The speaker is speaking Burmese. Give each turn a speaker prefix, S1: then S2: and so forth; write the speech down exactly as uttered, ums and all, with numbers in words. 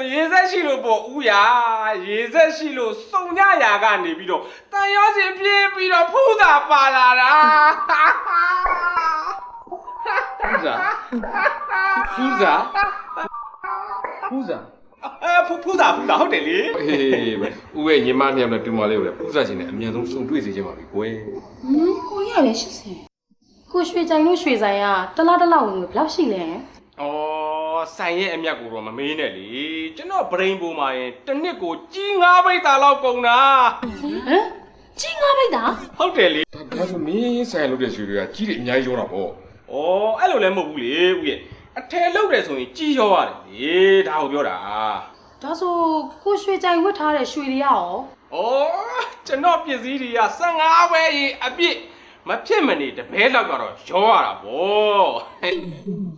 S1: ဆိုရေစက်ရှိလို့ပေါ့ဦးရရေစက်ရှိလို့စုံညရာကနေပြီးတော့တန်ရောရှင်ပြေးပြီးတော့ဖူးတာပါလာတာဖူးစာဖူးစာဖူးစာအဲဖူးဖူးစာဖူးစာဟုတ်တယ်လေ
S2: ဟေးပဲဦးရဲ့ညီမနှစ်ယောက်နဲ့တူမလေးကိုလည်းဖူးစာချင်းနဲ့အမြန်ဆုံးစုံတွေ့စေချင်ပါပြီကွယ်
S3: ဟမ်ကိုရလည်းရှစ်ဆယ်ကိုရွှေကြိုင်လို့ရွှေဆိုင်ကတလားတလားဝင်လို့ဘယ်လောက်ရှိလဲ
S1: ဩဆိုင်ရဲ့အမြတ်ကိုတော့မမေးနဲ့လေကျွန်တော်ဗရိန်ပေါ်မှာရင်တစ်နှစ်ကိုကြီးငါးပိတ်တာလောက်ကုန်တာ
S3: ဟမ်ကြီးငါးပိတ်တာ
S1: ဟုတ်တယ်လေ
S2: ဒါဆိုမင်းဆိုင်လုပ်တဲ့ရွှေတွေကကြီးတယ်အများကြီးရောတာပေါ့
S1: ဩအဲ့လိုလည်းမဟုတ်ဘူးလေဦးရဲ့အထယ်လုပ်တယ်ဆိုရင်ကြီးရောရတယ်လေဒါကိုပြောတာ
S3: ဒါဆိုကိုရွှေကြိုင်ဝတ်ထားတဲ့ရွှေတွေရော
S1: ဩကျွန်တော်ပစ္စည်းတွေကဆယ်ငါးပဲရေအပြည့်မဖြစ်မနေတပဲလောက်ကတော့ရောရတာဗော